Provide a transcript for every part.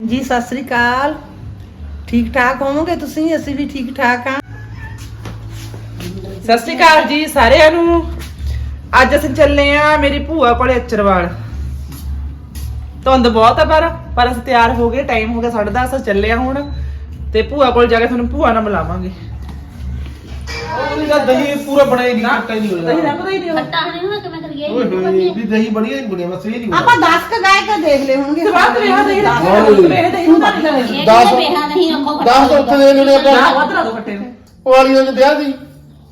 ਜੀ ਸਤਿ ਸ੍ਰੀ ਅਕਾਲ। ਠੀਕ ਠਾਕ ਹੋਵੋਗੇ ਤੁਸੀਂ? ਅਸੀਂ ਵੀ ਠੀਕ ਠਾਕ ਹਾਂ। ਸਤਿ ਸ਼੍ਰੀ ਅਕਾਲ ਜੀ ਸਾਰਿਆਂ ਨੂੰ। ਅੱਜ ਅਸੀਂ ਚੱਲੇ ਆ ਮੇਰੀ ਭੂਆ ਕੋਲੇ ਅਚਰਵਾਲ। ਧੁੰਦ ਬਹੁਤ ਆ ਪਰ ਅਸੀਂ ਤਿਆਰ ਹੋ ਗਏ। ਟਾਈਮ ਹੋ ਗਿਆ 10:30 ਚੱਲੇ ਆ ਹੁਣ ਤੇ ਭੂਆ ਕੋਲ ਜਾ ਕੇ ਤੁਹਾਨੂੰ ਭੂਆ ਨਾਲ ਮਿਲਾਵਾਂਗੇ। ਉਹਦਾ ਦਹੀਂ ਪੂਰਾ ਬਣਾਈ ਨਹੀਂ ਖੱਟਾ ਹੀ ਨਹੀਂ ਹੋਇਆ। ਦਹੀਂ ਰੰਗਦਾ ਹੀ ਨਹੀਂ ਖੱਟਾ ਨਹੀਂ ਹੋਣਾ ਕਿਵੇਂ ਕਰੀਏ ਓਏ ਹੋਏ ਵੀ ਦਹੀਂ ਬਣੀਆ ਨਹੀਂ ਬਣਿਆ ਬਸ ਇਹ ਨਹੀਂ ਆਪਾਂ 10 ਕ ਗਾਇ ਕੇ ਦੇਖ ਲਏ ਹੋਣਗੇ। ਸਵਾਦ ਰਿਹਾ ਦਹੀਂ ਦਾ ਦਹੀਂ ਹੁੰਦਾ ਨਹੀਂ ਲੱਗਦਾ। ਇਹ ਦਸ- ਕਿਹਨੇ ਬੇਹਾ ਨਹੀਂ ਅੱਖੋਂ 10 ਤਾਂ ਉੱਥੇ ਦੇ ਲੈਣੇ ਨਾ ਆਪਾਂ ਵਧਰਾ ਦੋ ਫੱਟੇ ਉਹ ਵਾਲੀਆਂ ਦੇ ਵਿਆਹ ਦੀ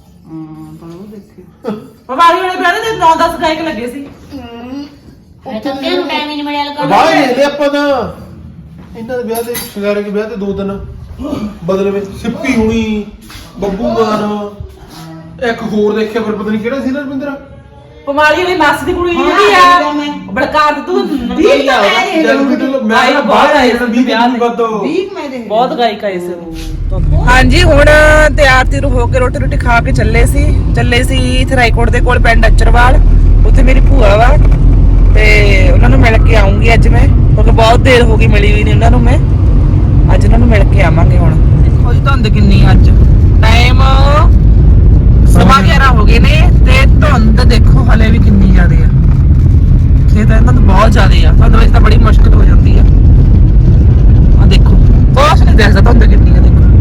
ਪਵਾਰੀ ਵਾਲੇ ਵਿਆਹ ਦੇ 9-10 ਗਾਇਕ ਲੱਗੇ ਸੀ। ਇਹ ਤਾਂ ਕਿਹਨੂੰ ਟਾਈਮ ਹੀ ਨਹੀਂ ਮਿਲਿਆ ਲਗਾ ਬਾਹਰ ਹੀ ਲੈ ਆਪਾਂ ਤਾਂ ਇਹਨਾਂ ਦੇ ਵਿਆਹ ਦੇ ਸ਼ਿੰਗਾਰੇ ਦੇ ਵਿਆਹ ਤੇ 2 ਦਿਨ ਬਦਲੇ ਵਿੱਚ ਸਿੱਪੀ ਹੁਣੀ ਬੱਬੂ ਮਾਨ ਇੱਕ ਹੋਰ ਦੇਖਿਆ ਫਿਰ ਪਤਾ ਨਹੀਂ ਕਿਹੜਾ ਸੀ ਨਾ ਰਵਿੰਦਰ ਪਮਾਲੀ ਵਾਲੀ ਮਾਸੀ ਦੀ ਕੁੜੀ ਜਿਹੜੀ ਆ ਬੜਕਾਰ ਤੂੰ ਵੀਹ ਤਾਂ ਮੈਂ ਦੇਖ ਲਊਂਗੀ। ਮੈਂ ਤਾਂ ਬਾਹਰ ਆਇਆ ਨਾ 20 ਦਿਨ ਬਾਅਦ 20 ਮੈਂ ਦੇਖ ਬਹੁਤ ਗਾਇਕ ਆਏ ਸੀ। ਹਾਂਜੀ ਹੁਣ ਤਿਆਰ ਤਿਰ ਹੋ ਕੇ ਰੋਟੀ ਖਾ ਕੇ ਚੱਲੇ ਸੀ ਥਰਾਈਕੋਟ ਦੇ ਕੋਲ ਪਿੰਡ ਅਚਰਵਾਲ। ਉੱਥੇ ਮੇਰੀ ਭੂਆ ਵਾ ਤੇ ਉਹਨਾਂ ਨੂੰ ਮਿਲ ਕੇ ਆਉਂਗੀ ਅੱਜ ਮੈਂ, ਕਿਉਂਕਿ ਬਹੁਤ ਦੇਰ ਹੋ ਗਈ ਮਿਲੀ ਵੀ ਨਹੀਂ ਉਹਨਾਂ ਨੂੰ। ਮੈਂ ਅੱਜ ਉਹਨਾਂ ਨੂੰ ਮਿਲ ਕੇ ਆਵਾਂਗੇ। ਹੁਣ ਦੇਖੋ ਜੀ ਧੁੰਦ ਕਿੰਨੀ ਅੱਜ। ਟਾਈਮ 11:15 ਹੋ ਗਏ ਨੇ ਤੇ ਧੁੰਦ ਦੇਖੋ ਹਲੇ ਵੀ ਕਿੰਨੀ ਜ਼ਿਆਦੇ ਆ। ਖੇਤ ਇਹਨਾਂ ਤੋਂ ਬਹੁਤ ਜ਼ਿਆਦੇ ਆ। ਧੁੰਦ ਵਿੱਚ ਤਾਂ ਬੜੀ ਮੁਸ਼ਕਲ ਹੋ ਜਾਂਦੀ ਆ। ਆ ਦੇਖੋ ਕੁਛ ਨਹੀਂ ਦਿਖਦਾ ਧੁੰਦ ਕਿੰਨੀ ਆ। ਦੇਖੋ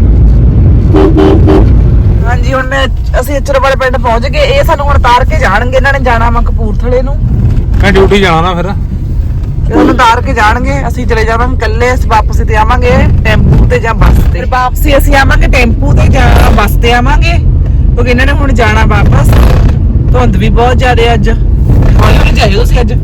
ਹਾਂਜੀ ਹੁਣ ਅਸੀਂ ਅਚਰਵਾਲ ਪਿੰਡ ਪਹੁੰਚ ਗਏ। ਇਹ ਸਾਨੂੰ ਹੁਣ ਉਤਾਰ ਕੇ ਜਾਣਗੇ। ਇਹਨਾਂ ਨੇ ਜਾਣਾ ਵਾ ਕਪੂਰਥਲੇ ਨੂੰ। ਮੈਂ ਡਿਊਟੀ ਜਾਣਾ ਨਾ ਫਿਰ ਉਹਨੂੰ ਉਤਾਰ ਕੇ ਜਾਣਗੇ। ਅਸੀਂ ਚਲੇ ਜਾਵਾਂਗੇ ਇਕੱਲੇ। ਅਸੀਂ ਵਾਪਸ ਤੇ ਆਵਾਂਗੇ ਟੈਂਪੂ ਤੇ ਜਾਂ ਬੱਸ ਤੇ। ਫਿਰ ਵਾਪਸੀ ਅਸੀਂ ਆਵਾਂਗੇ ਟੈਂਪੂ ਤੇ ਜਾਂ ਬੱਸ ਤੇ ਆਵਾਂਗੇ, ਕਿਉਂਕਿ ਇਹਨਾਂ ਨੇ ਹੁਣ ਜਾਣਾ ਵਾਪਸ। ਧੁੰਦ ਵੀ ਬਹੁਤ ਜ਼ਿਆਦਾ ਅੱਜ। ਹੌਲੀ ਹੌਲੀ ਜਾਇਓ ਤੁਸੀਂ ਅੱਜ।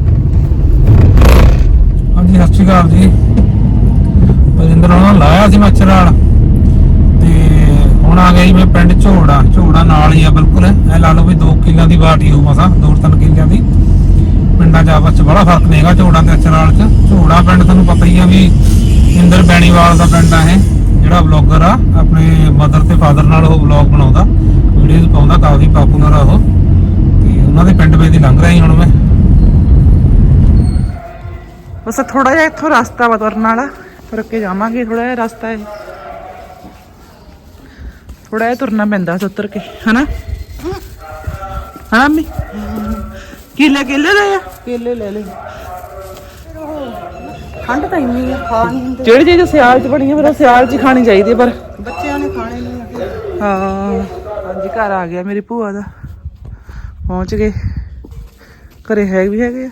ਹਾਂਜੀ ਸਤਿ ਸ਼੍ਰੀ ਅਕਾਲ ਜੀ। ਬਜਿੰਦਰ ਉਹਨਾਂ ਲਾਇਆ ਸੀ ਮੱਛਰਾਲ ਤੇ ਹੁਣ ਆ ਗਿਆ ਜੀ ਮੈਂ ਪਿੰਡ ਝੋੜਾ ਨਾਲ ਹੀ ਆ ਬਿਲਕੁਲ। ਇਹ ਲਾ ਲਓ ਵੀ 2 ਕਿੱਲਿਆਂ ਦੀ ਬਾਟੀ ਹੋਊ ਮਸਾਂ 2-3 ਕਿੱਲਿਆਂ ਦੀ। ਪਿੰਡਾਂ 'ਚ ਆਪਸ 'ਚ ਬੜਾ ਫਰਕ ਨਹੀਂ ਹੈਗਾ ਝੋੜਾ ਤੇ ਅਚਰਾਲ 'ਚ। ਝੋੜਾ ਪਿੰਡ ਤੁਹਾਨੂੰ ਪਤਾ ਹੀ ਆ ਵੀ ਇੰਦਰ ਬੈਣੀਵਾਲ ਦਾ ਪਿੰਡ ਆ ਇਹ, ਜਿਹੜਾ ਵਲੌਗਰ ਆ ਆਪਣੇ ਮਦਰ ਤੇ ਫਾਦਰ ਨਾਲ ਉਹ ਵਲੌਗ ਬਣਾਉਂਦਾ, ਵੀਡੀਓਜ਼ ਪਾਉਂਦਾ, ਕਾਫੀ ਪਾਪੂਲਰ ਆ ਉਹ। ਤੇ ਉਹਨਾਂ ਦੇ ਪਿੰਡ ਵੇ ਦੀ ਲੰਘ ਰਿਹਾ ਸੀ ਹੁਣ ਮੈਂ। ਬਸ ਥੋੜਾ ਜਿਹਾ ਇੱਥੋਂ ਰਸਤਾ ਵਾ ਤੁਰਨ ਵਾਲਾ, ਤੁਰ ਕੇ ਜਾਵਾਂਗੇ। ਥੋੜਾ ਜਿਹਾ ਰਸਤਾ ਹੈ, ਥੋੜਾ ਜਿਹਾ ਤੁਰਨਾ ਪੈਂਦਾ ਉੱਤਰ ਕੇ, ਹਨਾ ਮੰਮੀ? ਕੇਲੇ ਲੈ ਆ। ਕੇਲੇ ਲੈ ਲੈ। ਠੰਡ ਤਾਂ ਇੰਨੀ ਆ, ਖਾ ਨਹੀਂ ਹੁੰਦੇ। ਜਿਹੜੀ ਚੀਜ਼ ਸਿਆਲ 'ਚ ਬਣੀ ਆ ਫਿਰ ਉਹ ਸਿਆਲ 'ਚ ਹੀ ਖਾਣੀ ਚਾਹੀਦੀ ਹੈ। ਪਰ ਬੱਚਿਆਂ ਨੇ ਖਾਣੇ ਨਹੀਂ ਆ। ਹਾਂ ਹਾਂਜੀ ਘਰ ਆ ਗਿਆ ਮੇਰੀ ਭੂਆ ਦਾ। ਪਹੁੰਚ ਗਏ ਘਰੇ। ਹੈਗੇ ਆ।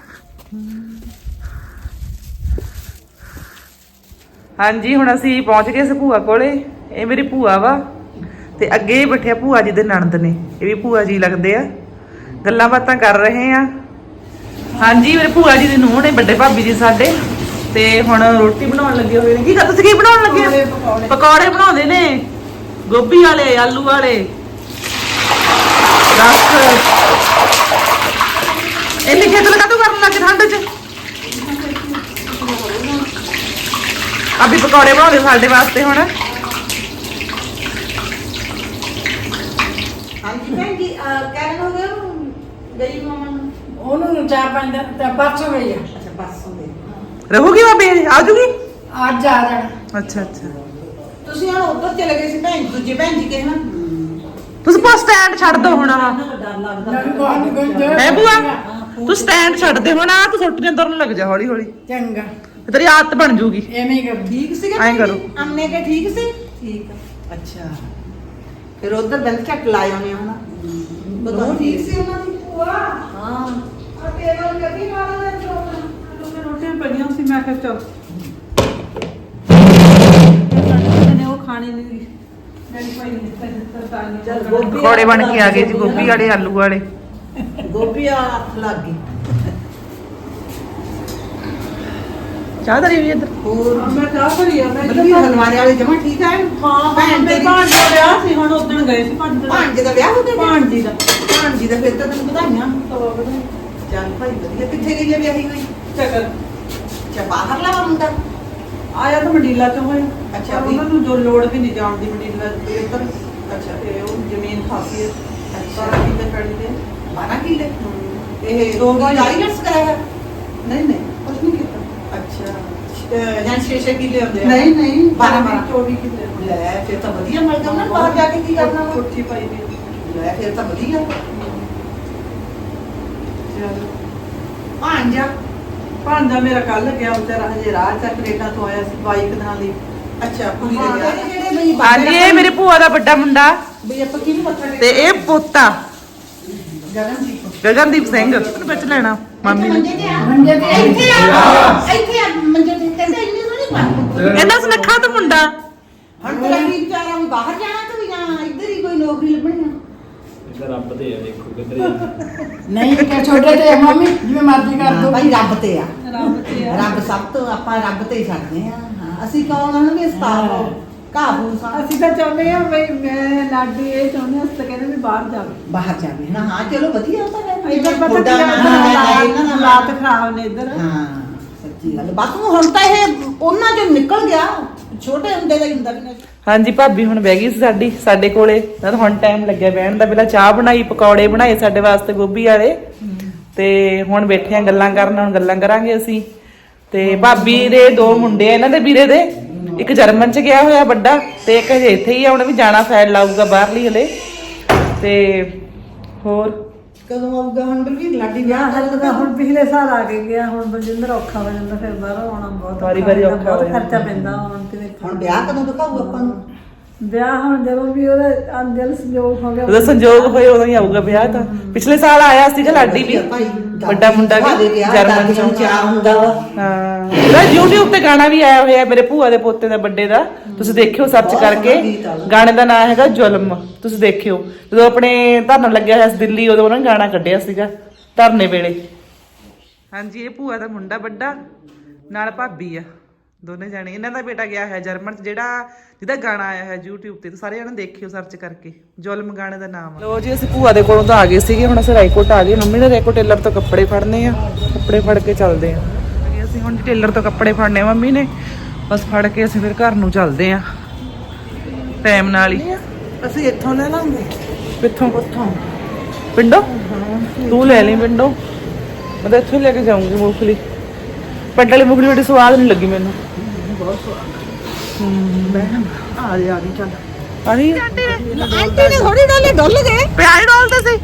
ਹਾਂਜੀ ਹੁਣ ਅਸੀਂ ਪਹੁੰਚ ਗਏ ਸੀ ਭੂਆ ਕੋਲੇ। ਇਹ ਮੇਰੀ ਭੂਆ ਵਾ ਤੇ ਅੱਗੇ ਬੈਠੇ ਭੂਆ ਜੀ ਦੇ ਨਣਦ ਨੇ। ਇਹ ਵੀ ਭੂਆ ਜੀ ਲੱਗਦੇ ਆ। ਗੱਲਾਂ ਬਾਤਾਂ ਕਰ ਰਹੇ ਆ। ਹਾਂਜੀ ਮੇਰੇ ਭੂਆ ਜੀ ਦੀ ਨੂੰਹ ਨੇ, ਵੱਡੇ ਭਾਬੀ ਜੀ ਸਾਡੇ। ਤੇ ਹੁਣ ਰੋਟੀ ਬਣਾਉਣ ਲੱਗੇ ਹੋਏ ਨੇ। ਤੁਸੀਂ ਕੀ ਬਣਾਉਣ ਲੱਗੇ ਹੋ? ਪਕੌੜੇ ਬਣਾਉਂਦੇ ਨੇ, ਗੋਭੀ ਵਾਲੇ, ਆਲੂ ਵਾਲੇ। ਦੱਸ ਇੰਨੀ ਖੇਤਲ ਕਾਹਤੋਂ ਕਰਨ ਲੱਗੇ ਠੰਡ 'ਚ? ਅਭੀ ਪਕੌੜੇ ਬਣਾਉਂਦੇ ਸਾਡੇ ਵਾਸਤੇ ਹੁਣ। ਹਾਂਜੀ ਭੈਣ ਜੀ ਕਹਿਣ ਹੋ ਗਿਆ ਗਈ ਮਾਮਾ ਨੂੰ। ਉਹਨੂੰ 4-5 ਦਿਨ ਤਾਂ ਪਰਸੋਂ ਗਈ ਆ। ਅੱਛਾ ਬੱਸ ਦੇ ਰਹੂਗੀ ਬਾਬੇ? ਆ ਜੂਗੀ? ਅੱਜ ਆ ਜਾਣਾ। ਅੱਛਾ ਤੁਸੀਂ ਹੁਣ ਉੱਧਰ ਚਲੇ ਗਏ ਸੀ ਭੈਣ, ਦੂਜੇ ਭੈਣ ਜੀ ਕਹਿਣਾ। ਤੁਸੀਂ ਬਸ ਸਟੈਂਡ ਛੱਡ ਦੋ ਹੁਣ। ਡਰ ਲੱਗਦਾ। ਹੈ ਭੂਆ ਤੂੰ ਸਟੈਂਡ ਛੱਡ ਦੇ ਹੁਣ। ਆ ਤੂੰ ਸੁੱਟੀਆਂ ਤੁਰਨ ਲੱਗ ਜਾ ਹੌਲੀ ਹੌਲੀ। ਚੰਗਾ ਤੇਰੀ ਆਦਤ ਬਣ ਜੂਗੀ। ਐਵੇਂ ਹੀ ਕਰ। ਠੀਕ ਸੀਗਾ ਐਂ ਕਰੋ। ਅੰਨੇ ਕੇ ਠੀਕ ਸੀ? ਠੀਕ ਆ। ਅੱਛਾ ਫਿਰ ਉਧਰ ਦਿਲ ਝੱਟ ਲਾਏ ਉਹਨੇ ਹਨਾ। ਬਤਾ ਠੀਕ ਸੀ ਉਹਨਾਂ ਦੀ ਭੂਆ? ਹਾਂ ਆ ਟੇਬਲ ਕੱਢੀ ਵਾਲਾ ਦੇ ਚੋਕਾ ਰੋਟੀਆਂ ਪਈਆਂ ਸੀ। ਮੈਂ ਕਿਹਾ ਚਲ ਨੇ ਉਹ ਖਾਣੀ ਨਹੀਂ। ਮੇਰੀ ਭਾਈ ਨੇ ਸਰਦਾਰ ਨੇ ਚਲ ਗੋਭੀ ਪਕੌੜੇ ਬਣ ਕੇ ਆ ਗਏ ਜੀ, ਗੋਭੀ ਵਾਲੇ, ਆਲੂ ਵਾਲੇ। ਗੋਭੀ ਆ ਹੱਥ ਲੱਗ ਗਈ। ਚਾਹ ਧਰੀ ਵੀ ਇੱਧਰ। ਹੋਰ ਮੈਂ ਚਾਹ ਭਰੀ ਆ। ਮੈਂ ਮਤਲਬ ਹਲਵਾਰੇ ਵਾਲੇ ਜਮਾ ਠੀਕ ਆ? ਹਾਂ ਭੈਣ ਤੇ ਤੇਰੀ ਭਾਂਜ ਦਾ ਵਿਆਹ ਸੀ। ਹੁਣ ਉਦੋਂ ਗਏ ਸੀ ਭਾਂਜੇ ਦਾ ਵਿਆਹ ਹੋ ਗਿਆ? ਭਾਂਜੀ ਦਾ। ਭਾਂਜੀ ਦਾ ਫਿਰ ਤਾਂ ਤੈਨੂੰ ਵਧਾਈਆਂ। ਚੱਲ ਭਾਈ ਵਧੀਆ। ਕਿੱਥੇ ਗਈ ਹੈ ਵਿਆਹੀ ਹੋਈ? ਚੱਕਰ ਅੱਛਾ ਬਾਹਰ ਲਾ ਮੁੰਡਾ ਆਇਆ ਤਾਂ ਮੰਡੀਲਾ ਚੋਂ ਹੋਇਆ। ਅੱਛਾ ਵੀ। ਉਹਨਾਂ ਨੂੰ ਜੋ ਲੋੜ ਵੀ ਨਹੀਂ ਜਾਣ ਦੀ ਮੰਡੀਲਾ ਇੱਧਰ। ਅੱਛਾ ਤੇ ਉਹ ਜ਼ਮੀਨ ਖਾਸੀ ਹੈ। ਅੱਛਾ 12 ਕਿੱਲੇ ਪੈਲੀ ਦੇ। 12 ਕਿੱਲੇ। ਇਹ ਦੋ ਕੋਈ ਕਿੱਲੇ। ਆਈਲੈਟਸ ਕਰਾਇਆ? ਨਹੀਂ ਕੁਛ ਨਹੀਂ ਕੀਤਾ। ਅੱਛਾ ਜਾਂ 6 ਕਿੱਲੇ ਹੁੰਦੇ ਆ ਨਹੀਂ ਨਹੀਂ 12 24 ਕਿੱਲੇ ਲੈ ਫਿਰ ਤਾਂ ਵਧੀਆ ਮਿਲ ਜਾਂਦਾ ਬਾਹਰ ਜਾ ਕੇ ਕੀ ਕਰਨਾ ਵਾ? ਕੋਠੀ ਪਾਈ ਦੀ ਲੈ ਫਿਰ ਤਾਂ ਵਧੀਆ ਚਲ ਭਾਂਜਾ ਭਾਂਜਾ ਮੇਰਾ ਕੱਲ ਗਿਆ ਵਿਚਾਰਾ ਹਜੇ ਰਾਹ ਚ ਕੈਨੇਡਾ ਤੋਂ ਆਇਆ ਸੀ ਬਾਈਕ ਨਾਲ ਲਈ ਅੱਛਾ ਕੁੜੀ ਦੇ ਵਿਆਹ ਜਿਹੜੇ ਬਈ ਹਾਂਜੀ ਇਹ ਮੇਰੇ ਭੂਆ ਦਾ ਵੱਡਾ ਮੁੰਡਾ ਬਈ ਆਪਾਂ ਕਿਹਨੂੰ ਮੱਥਾ ਤੇ ਇਹ ਪੋਤਾ ਗਗਨਦੀਪ ਗਗਨਦੀਪ ਸਿੰਘ ਉਹਨੂੰ ਵਿੱਚ ਲੈਣਾ ਮਾਮੀ ਨੇ ਮੰਜੇ ਤੇ ਇੱਥੇ ਆ ਮੰਜੇ ਤੇ ਕਹਿੰਦੇ ਇੰਨੇ ਸੋਹਣੇ ਪਾ ਇਹਨਾਂ ਸੁਨੱਖਾ ਤਾਂ ਮੁੰਡਾ ਹੁਣ ਤੇਰਾ ਕੀ ਵਿਚਾਰਾ ਵੀ ਬਾਹਰ ਜਾਣਾ ਤੇ ਵੀ ਜਾਂ ਇੱਧਰ ਹੀ ਕੋਈ ਨੌਕਰੀ ਲੱਭਣੀ ਆ ਰੱਬ ਦੇ ਆ ਦੇਖੋ ਕਿੱਧਰ ਨਹੀਂ ਕਿ ਛੋਟੇ ਤੇ ਮੰਮੀ ਜਿਵੇਂ ਮਰਜ਼ੀ ਕਰ ਦੋ ਭਾਈ ਰੱਬ ਤੇ ਆ ਰੱਬ ਤੇ ਆ ਰੱਬ ਸਭ ਤੋਂ ਆਪਾਂ ਰੱਬ ਤੇ ਹੀ ਛੱਡਦੇ ਆ ਹਾਂ ਅਸੀਂ ਕੌਣ ਹਨ ਵੀ ਸਤਾਵੋ ਕਾਬੂ ਅਸੀਂ ਤਾਂ ਚਾਹੁੰਦੇ ਆ ਬਈ ਮੈਂ ਲਾਡੀ ਇਹ ਚਾਹੁੰਦੇ ਆ ਅਸੀਂ ਤਾਂ ਕਹਿੰਦੇ ਵੀ ਬਾਹਰ ਜਾਵੇ ਬਾਹਰ ਜਾਵੇ ਨਾ ਹਾਂ ਚਲੋ ਵਧੀਆ ਤਾਂ ਹੈ ਇੱਧਰ ਪਤਾ ਮੁੰਡਾ ਕੀ ਨਾ ਹੈ, ਇਹਨਾਂ ਦਾ ਹਾਲਾਤ ਖਰਾਬ ਨੇ ਇੱਧਰ ਹਾਂ ਸੱਚੀ ਗੱਲ ਬਸ ਹੁਣ ਤਾਂ ਇਹ ਉਹਨਾਂ ਚੋਂ ਨਿਕਲ ਗਿਆ ਛੋਟੇ ਹੁੰਦੇ ਦਾ ਹੀ ਹੁੰਦਾ ਵੀ ਨਾ ਹਾਂਜੀ ਭਾਬੀ ਹੁਣ ਬਹਿ ਗਈ ਸੀ ਸਾਡੇ ਕੋਲੇ ਤਾਂ ਹੁਣ ਟਾਈਮ ਲੱਗਿਆ ਬਹਿਣ ਦਾ। ਪਹਿਲਾਂ ਚਾਹ ਬਣਾਈ, ਪਕੌੜੇ ਬਣਾਏ ਸਾਡੇ ਵਾਸਤੇ ਗੋਭੀ ਵਾਲੇ ਤੇ ਹੁਣ ਬੈਠੇ ਆ ਗੱਲਾਂ ਕਰਨ। ਹੁਣ ਗੱਲਾਂ ਕਰਾਂਗੇ ਅਸੀਂ। ਤੇ ਭਾਬੀ ਦੇ 2 ਮੁੰਡੇ ਆ ਇਹਨਾਂ ਦੇ ਵੀਰੇ ਦੇ, ਇੱਕ ਜਰਮਨ ਚ ਗਿਆ ਹੋਇਆ ਵੱਡਾ ਤੇ ਇੱਕ ਹਜੇ ਇੱਥੇ ਹੀ ਆ, ਉਹਨੇ ਵੀ ਜਾਣਾ ਫੈਲ ਲਾਊਗਾ ਬਾਹਰਲੀ ਹਲੇ। ਤੇ ਹੋਰ ਕਦੋਂ ਆਊਗਾ ਹੁਣ ਬਲਵੀਰ ਲਾਡੀ ਵਿਆਹ ਵਿਆਹ ਹੱਲ ਦਾ ਹੁਣ ਪਿਛਲੇ ਸਾਲ ਆ ਕੇ ਗਿਆ, ਹੁਣ ਬਲਜਿੰਦਰ ਔਖਾ ਹੋ ਜਾਂਦਾ, ਫਿਰ ਬਾਹਰੋਂ ਆਉਣਾ ਬਹੁਤ ਵਾਰੀ ਔਖਾ ਹੋ ਬਹੁਤ ਜਾਂਦਾ। ਖਰਚਾ ਪੈਂਦਾ ਹੁਣ ਤੇ ਹੁਣ ਵਿਆਹ ਕਦੋਂ ਦਿਖਾਊ ਆਪਾਂ ਨੂੰ ਵਿਆਹ ਹੁਣ ਜਦੋਂ ਵੀ ਉਹਦਾ ਅੰਜਲ ਸੰਜੋਗ ਹੋ ਗਿਆ ਉਹਦਾ ਸੰਜੋਗ ਹੋਏ ਉਦੋਂ ਹੀ ਆਊਗਾ ਵਿਆਹ ਤਾਂ। ਪਿਛਲੇ ਸਾਲ ਆਇਆ ਸੀਗਾ ਲਾਡੀ ਵੀ, ਭਾਈ ਵੱਡਾ ਮੁੰਡਾ ਵੀ ਜਰਮਨ ਚੋਂ। ਚਾਹ ਹੁੰਦਾ ਵਾ ਹਾਂ ਉਹਦਾ YouTube ਤੇ ਗਾਣਾ ਵੀ ਆਇਆ ਹੋਇਆ ਮੇਰੇ ਭੂਆ ਦੇ ਪੋਤੇ ਦਾ ਬਰਥਡੇ ਦਾ, ਤੁਸੀਂ ਦੇਖਿਓ ਸਰਚ ਕਰਕੇ। ਗਾਣੇ ਦਾ ਨਾਮ ਹੈਗਾ ਜ਼ੁਲਮ, ਤੁਸੀਂ ਦੇਖਿਓ। ਜਦੋਂ ਆਪਣੇ ਧਰਨਾ ਲੱਗਿਆ ਹੋਇਆ ਸੀ ਦਿੱਲੀ, ਉਦੋਂ ਉਹਨਾਂ ਨੇ ਗਾਣਾ ਕੱਢਿਆ ਸੀਗਾ ਧਰਨੇ ਵੇਲੇ। ਹਾਂਜੀ ਇਹ ਭੂਆ ਦਾ ਮੁੰਡਾ ਵੱਡਾ ਨਾਲ ਭਾਬੀ ਆ, ਦੋਨੇ ਜਾਣੇ। ਇਹਨਾਂ ਦਾ ਬੇਟਾ ਗਿਆ ਹੈ ਜਰਮਨ ਚ, ਜਿਹਦਾ ਗਾਣਾ ਆਇਆ ਹੈ YouTube ਤੇ, ਸਾਰੇ ਜਣੇ ਦੇਖਿਓ ਸਰਚ ਕਰਕੇ, ਜ਼ੁਲਮ ਗਾਣੇ ਦਾ ਨਾਮ ਆ। ਲੋ ਜੀ ਅਸੀਂ ਭੂਆ ਦੇ ਕੋਲੋਂ ਤਾਂ ਆ ਗਏ ਸੀਗੇ, ਹੁਣ ਅਸੀਂ ਰਾਏਕੋਟ ਆ ਗਏ। ਮੰਮੀ ਨੇ ਰਾਏਕੋਟ ਟੇਲਰ ਤੋਂ ਕੱਪੜੇ ਫੜਨੇ ਆ, ਕੱਪੜੇ ਫੜ ਕੇ ਚੱਲਦੇ ਆ। ਅਸੀਂ ਹੁਣ ਟੇਲਰ ਤੋਂ ਕੱਪੜੇ ਫੜਨੇ ਮੰਮੀ ਨੇ, ਬਸ ਫੜ ਕੇ ਅਸੀਂ ਫਿਰ ਘਰ ਨੂੰ ਚੱਲਦੇ ਆ ਟਾਈਮ ਨਾਲ ਹੀ। ਅਸੀਂ ਇੱਥੋਂ ਲੈ ਲਾਂਗੇ ਕਿੱਥੋਂ? ਉੱਥੋਂ ਪਿੰਡੋਂ? ਤੂੰ ਲੈ ਲਈ ਪਿੰਡੋਂ, ਮੈਂ ਤਾਂ ਇੱਥੋਂ ਹੀ ਲੈ ਕੇ ਜਾਊਂਗੀ ਮੂੰਗਫਲੀ। ਪਿੰਡ ਵਾਲੀ ਮੂੰਗਫਲੀ ਬੜੀ ਸਵਾਦ ਨਹੀਂ ਲੱਗੀ ਮੈਨੂੰ। ਆ ਜਾ ਗਈ ਚੱਲ ਆਹੀ ਆਂਟੀ ਨੇ ਥੋੜੀ ਡੋਲੇ ਡੁੱਲ ਗਏ ਪਿਆਜ਼ ਡੋਲਦੇ ਸੀ।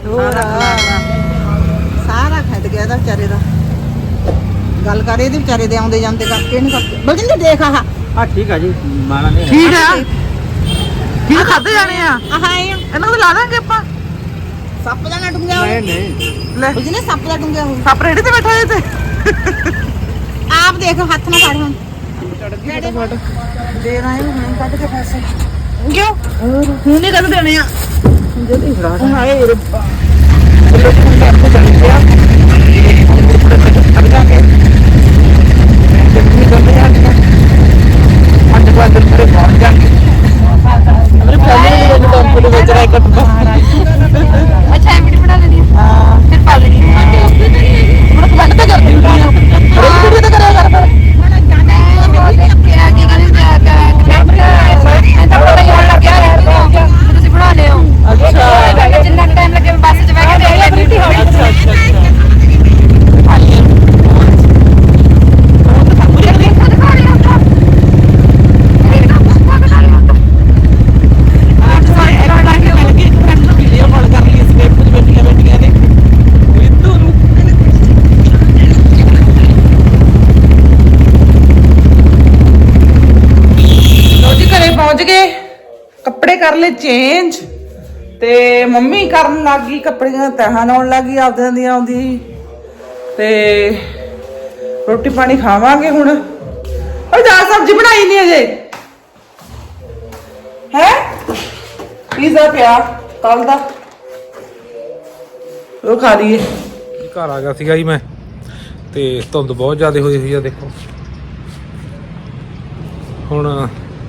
ਸਾਰਾ ਖੱਟ ਗਿਆ ਇਹਦਾ ਵਿਚਾਰੇ ਦਾ। ਗੱਲ ਕਰ ਇਹਦੇ ਵਿਚਾਰੇ ਦੇ ਆਉਂਦੇ ਜਾਂਦੇ ਕਰਕੇ ਇਹਨੂੰ ਕਰਕੇ ਬਲਜਿੰਦਰ ਦੇਖ ਆਹ ਠੀਕ ਆ ਜੀ ਮਾਣਾ ਨਹੀਂ ਠੀਕ ਆ, ਕੀ ਖਾਦੇ ਜਾਣੇ ਆ ਆਹ ਇਹ ਇਹਨਾਂ ਨੂੰ ਲਾ ਦਾਂਗੇ ਆਪਾਂ। ਸੱਪ ਦਾ ਨਾ ਡੁੰਗਿਆ ਹੋਇਆ ਨਹੀਂ ਲੈ ਬਲਜਿੰਦਰ ਸੱਪ ਦਾ ਡੁੰਗਿਆ ਹੋਇਆ ਸੱਪ ਰੇੜੀ ਤੇ ਬੈਠਾ ਜੇ ਤੇ ਆਪ ਦੇਖ ਹੱਥ ਨਾ ਫੜ ਹੁਣ ਦੇ ਰਹੇ ਹੁਣ ਕੱਢ ਕੇ ਪੈਸੇ ਕਿਉਂ ਹੁਣ ਨਹੀਂ ਕਦ ਦੇਣੇ ਆ ਜਲਦੀ ਫੜਾ ਹਾਏ ਰੱਬਾ। ਅੱਛਾ ਐਮਡੀ ਬਣਾ ਲੈਣੀ ਫਿਰ ਪਾ ਲੈਣੀ ਤੁਸੀਂ ਬਣਾ ਲਿਓ। ਜਿੰਨਾ ਟਾਈਮ ਲੱਗੇ ਬੱਸ 'ਚ ਬਹਿ ਕੇ ਦੇਖ ਲੈਣੀ। ਪਹੁੰਚ ਗਏ, ਕੱਪੜੇ ਕਰ ਲਏ ਚੇਂਜ ਤੇ ਮੰਮੀ ਕਰਨ ਲੱਗ ਗਈ ਕੱਪੜਿਆਂ ਤਹਾਂ ਲਾਉਣ ਲੱਗ ਗਈ ਆਪਦੇ ਦੀਆਂ ਆਉਂਦੀ। ਤੇ ਰੋਟੀ ਪਾਣੀ ਖਾਵਾਂਗੇ ਹੁਣ। ਉਹ ਦਾਲ ਸਬਜ਼ੀ ਬਣਾਈ ਨਹੀਂ ਅਜੇ ਹੈ, ਪੀਜ਼ਾ ਪਿਆ ਕੱਲ ਦਾ, ਉਹ ਖਾ ਲਈਏ। ਘਰ ਆ ਗਿਆ ਸੀਗਾ ਜੀ ਮੈਂ, ਤੇ ਧੁੰਦ ਬਹੁਤ ਜ਼ਿਆਦਾ ਹੋਈ ਹੋਈ ਆ ਦੇਖੋ। ਹੁਣ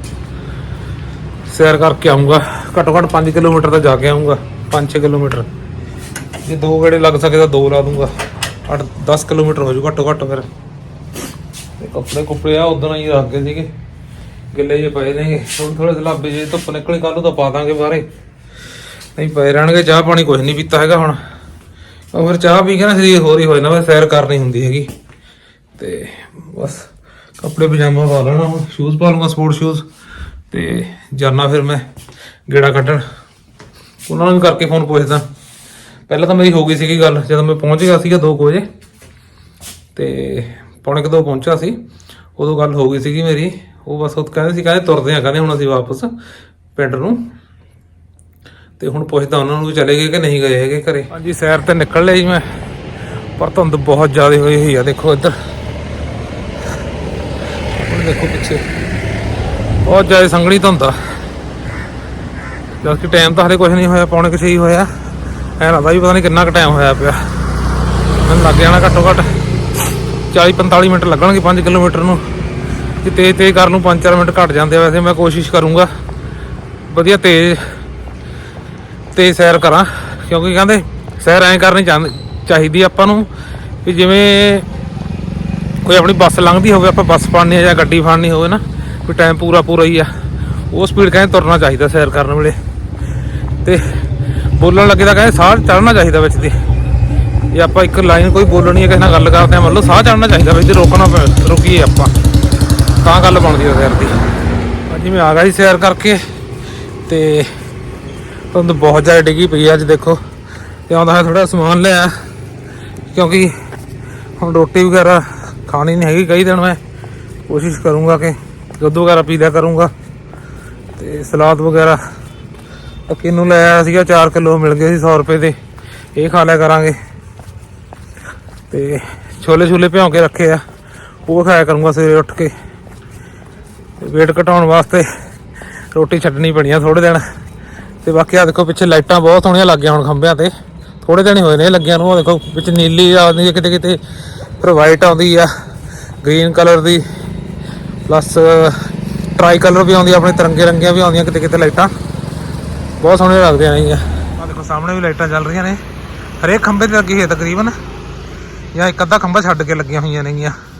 ਸੈਰ ਕਰਕੇ ਆਉਂਗਾ, ਘੱਟੋ ਘੱਟ 5 ਕਿਲੋਮੀਟਰ ਤਾਂ ਜਾ ਕੇ ਆਉਂਗਾ, 5-6 ਕਿਲੋਮੀਟਰ। ਜੇ 2 ਗੇੜੇ ਲੱਗ ਸਕੇ ਤਾਂ 2 ਲਾ ਦੂੰਗਾ, 8-10 ਕਿਲੋਮੀਟਰ ਹੋ ਜੂ ਘੱਟੋ ਘੱਟ। ਫਿਰ ਕੱਪੜੇ ਕੁੱਪੜੇ ਆ ਉਦੋਂ ਹੀ ਰੱਖ ਗਏ ਸੀਗੇ, ਗਿੱਲੇ ਜਿਹੇ ਪਏ ਨੇ। ਥੋੜੇ ਸਲਾਬੇ ਜੇ ਧੁੱਪ ਨਿਕਲੀ ਕੱਲ ਨੂੰ ਤਾਂ ਪਾ ਦਾਂਗੇ ਬਾਹਰੇ, ਨਹੀਂ ਪਏ ਰਹਿਣਗੇ। ਚਾਹ ਪਾਣੀ ਕੁਝ ਨਹੀਂ ਪੀਤਾ ਹੈਗਾ ਹੁਣ, ਉਹ ਫਿਰ ਚਾਹ ਪੀ ਕੇ ਨਾ ਸਰੀਰ ਹੋਰ ਹੀ ਹੋ ਜਾਂਦਾ, ਸੈਰ ਕਰਨੀ ਹੁੰਦੀ ਹੈਗੀ। ਤੇ ਬਸ ਕੱਪੜੇ ਪਜਾਮਾ ਪਾ ਲੈਣਾ, ਹੁਣ ਸ਼ੂਜ਼ ਪਾ ਲੂੰਗਾ ਸਪੋਰਟ ਸ਼ੂਜ਼ ਤੇ ਜਾਣਾ ਫਿਰ ਮੈਂ ਗੇੜਾ ਕੱਢਣ। ਉਹਨਾਂ ਨੂੰ ਵੀ ਕਰਕੇ ਫੋਨ ਪੁੱਛਦਾ। ਪਹਿਲਾਂ ਤਾਂ ਮੇਰੀ ਹੋ ਗਈ ਸੀਗੀ ਗੱਲ ਜਦੋਂ ਮੈਂ ਪਹੁੰਚ ਗਿਆ ਸੀਗਾ 2 ਵਜੇ ਤੇ 1:45 ਪਹੁੰਚਿਆ ਸੀ, ਉਦੋਂ ਗੱਲ ਹੋ ਗਈ ਸੀਗੀ ਮੇਰੀ। ਉਹ ਬਸ ਉਹ ਕਹਿੰਦੇ ਤੁਰਦੇ ਆ, ਕਹਿੰਦੇ ਹੁਣ ਅਸੀਂ ਵਾਪਸ ਪਿੰਡ ਨੂੰ। ਤੇ ਹੁਣ ਪੁੱਛਦਾ ਉਹਨਾਂ ਨੂੰ ਵੀ ਚਲੇ ਗਏ ਕਿ ਨਹੀਂ ਗਏ ਹੈਗੇ ਘਰੇ। ਹਾਂਜੀ ਸੈਰ ਤੇ ਨਿਕਲ ਲਿਆ ਜੀ ਮੈਂ, ਪਰ ਧੁੰਦ ਬਹੁਤ ਜ਼ਿਆਦਾ ਹੋਈ ਹੋਈ ਆ। ਦੇਖੋ ਇੱਧਰ, ਹੁਣ ਦੇਖੋ ਪਿੱਛੇ ਬਹੁਤ ਜ਼ਿਆਦਾ ਸੰਘਣੀ ਧੁੰਦ ਆ। ਜਦ ਕਿ ਟਾਈਮ ਤਾਂ ਹਲੇ ਕੁਛ ਨਹੀਂ ਹੋਇਆ, 5:45 ਹੀ ਹੋਇਆ। ਐਂ ਲੱਗਦਾ ਵੀ ਪਤਾ ਨਹੀਂ ਕਿੰਨਾ ਕੁ ਟਾਈਮ ਹੋਇਆ ਪਿਆ। ਮੈਨੂੰ ਲੱਗ ਜਾਣਾ ਘੱਟੋ ਘੱਟ 40-45 ਮਿੰਟ ਲੱਗਣਗੇ 5 ਕਿਲੋਮੀਟਰ ਨੂੰ। ਜੇ ਤੇਜ਼ ਕਰ ਲੂੰ 5-4 ਮਿੰਟ ਘੱਟ ਜਾਂਦੇ ਆ। ਵੈਸੇ ਮੈਂ ਕੋਸ਼ਿਸ਼ ਕਰੂੰਗਾ ਵਧੀਆ ਤੇਜ਼ ਸੈਰ ਕਰਾਂ, ਕਿਉਂਕਿ ਕਹਿੰਦੇ ਸੈਰ ਐਂ ਕਰਨੀ ਚਾਹੀਦੀ ਆਪਾਂ ਨੂੰ ਵੀ ਜਿਵੇਂ ਕੋਈ ਆਪਣੀ ਬੱਸ ਲੰਘਦੀ ਹੋਵੇ, ਆਪਾਂ ਬੱਸ ਫੜਨੀ ਜਾਂ ਗੱਡੀ ਫੜਨੀ ਹੋਵੇ ਨਾ, ਕੋਈ ਟਾਈਮ ਪੂਰਾ ਹੀ ਆ, ਉਹ ਸਪੀਡ ਕਹਿੰਦੇ ਤੁਰਨਾ ਚਾਹੀਦਾ ਸੈਰ ਕਰਨ ਵੇਲੇ। ਤੇ ਬੋਲਣ ਲੱਗੇ ਤਾਂ ਕਹਿੰਦੇ ਸਾਹ ਚੜ੍ਹਨਾ ਚਾਹੀਦਾ ਵਿੱਚ ਦੀ। ਜੇ ਆਪਾਂ ਇੱਕ ਲਾਈਨ ਕੋਈ ਬੋਲਣੀ ਹੈ, ਕਿਸੇ ਨਾਲ ਗੱਲ ਕਰਦੇ ਹਾਂ, ਮੰਨ ਲਓ ਸਾਹ ਚੜ੍ਹਨਾ ਚਾਹੀਦਾ ਵਿੱਚ, ਰੁਕੀਏ ਆਪਾਂ ਤਾਂ ਗੱਲ ਬਣਦੀ ਹੈ ਸੈਰ ਦੀ। ਅੱਜ ਮੈਂ ਆ ਗਿਆ ਸੀ ਸੈਰ ਕਰਕੇ ਤੇ ਧੁੰਦ ਬਹੁਤ ਜ਼ਿਆਦਾ ਡਿੱਗੀ ਪਈ ਅੱਜ ਦੇਖੋ। ਤੇ ਆਉਂਦਾ ਹੈ ਥੋੜ੍ਹਾ ਸਮਾਨ ਲਿਆ, ਕਿਉਂਕਿ ਹੁਣ ਰੋਟੀ ਵਗੈਰਾ ਖਾਣੀ ਨਹੀਂ ਹੈਗੀ ਕਈ ਦਿਨ। ਮੈਂ ਕੋਸ਼ਿਸ਼ ਕਰੂੰਗਾ ਕਿ ਦੁੱਧ ਵਗੈਰਾ ਪੀ ਲਿਆ ਕਰੂੰਗਾ। ਤੇ ਸਲਾਦ ਵਗੈਰਾ ਕਿੰਨੂ ਲੈ ਆਇਆ ਸੀਗਾ, 4 ਕਿਲੋ ਮਿਲ ਗਏ ਸੀ 100 ਰੁਪਏ ਦੇ, ਇਹ ਖਾ ਲਿਆ ਕਰਾਂਗੇ। ਤੇ ਛੋਲੇ ਭਿਉਂ ਕੇ ਰੱਖੇ ਆ, ਉਹ ਖਾਇਆ ਕਰੂੰਗਾ ਸਵੇਰੇ ਉੱਠ ਕੇ। ਵੇਟ ਘਟਾਉਣ ਵਾਸਤੇ ਰੋਟੀ ਛੱਡਣੀ ਪੈਣੀ ਆ ਥੋੜ੍ਹੇ ਦਿਨ। ਤੇ ਬਾਕੀ ਆ ਦੇਖੋ ਪਿੱਛੇ ਲਾਈਟਾਂ ਬਹੁਤ ਸੋਹਣੀਆਂ ਲੱਗੀਆਂ ਹੁਣ ਖੰਭਿਆਂ ਤੇ, ਥੋੜ੍ਹੇ ਦਿਨ ਹੀ ਹੋਏ ਨੇ ਲੱਗਿਆਂ ਨੂੰ। ਉਹ ਦੇਖੋ ਵਿੱਚ ਨੀਲੀ ਆਉਂਦੀ ਹੈ ਕਿਤੇ, ਫਿਰ ਵਾਈਟ ਆਉਂਦੀ ਆ, ਗ੍ਰੀਨ ਕਲਰ ਦੀ, ਪਲੱਸ ਟਰਾਈ ਕਲਰ ਵੀ ਆਉਂਦੀ, ਆਪਣੇ ਤਿਰੰਗੇ ਰੰਗੀਆਂ ਵੀ ਆਉਂਦੀਆਂ ਕਿਤੇ ਲਾਈਟਾਂ, ਬਹੁਤ ਸੋਹਣੀਆਂ ਲੱਗਦੀਆਂ ਨੇਗੀਆਂ। ਆ ਦੇਖੋ ਸਾਹਮਣੇ ਵੀ ਲਾਈਟਾਂ ਚੱਲ ਰਹੀਆਂ ਨੇ, ਹਰੇਕ ਖੰਭੇ 'ਤੇ ਲੱਗੀ ਹੋਈ ਹੈ ਤਕਰੀਬਨ, ਜਾਂ ਇੱਕ ਅੱਧਾ ਖੰਭਾ ਛੱਡ ਕੇ ਲੱਗੀਆਂ ਹੋਈਆਂ ਨੇਗੀਆਂ।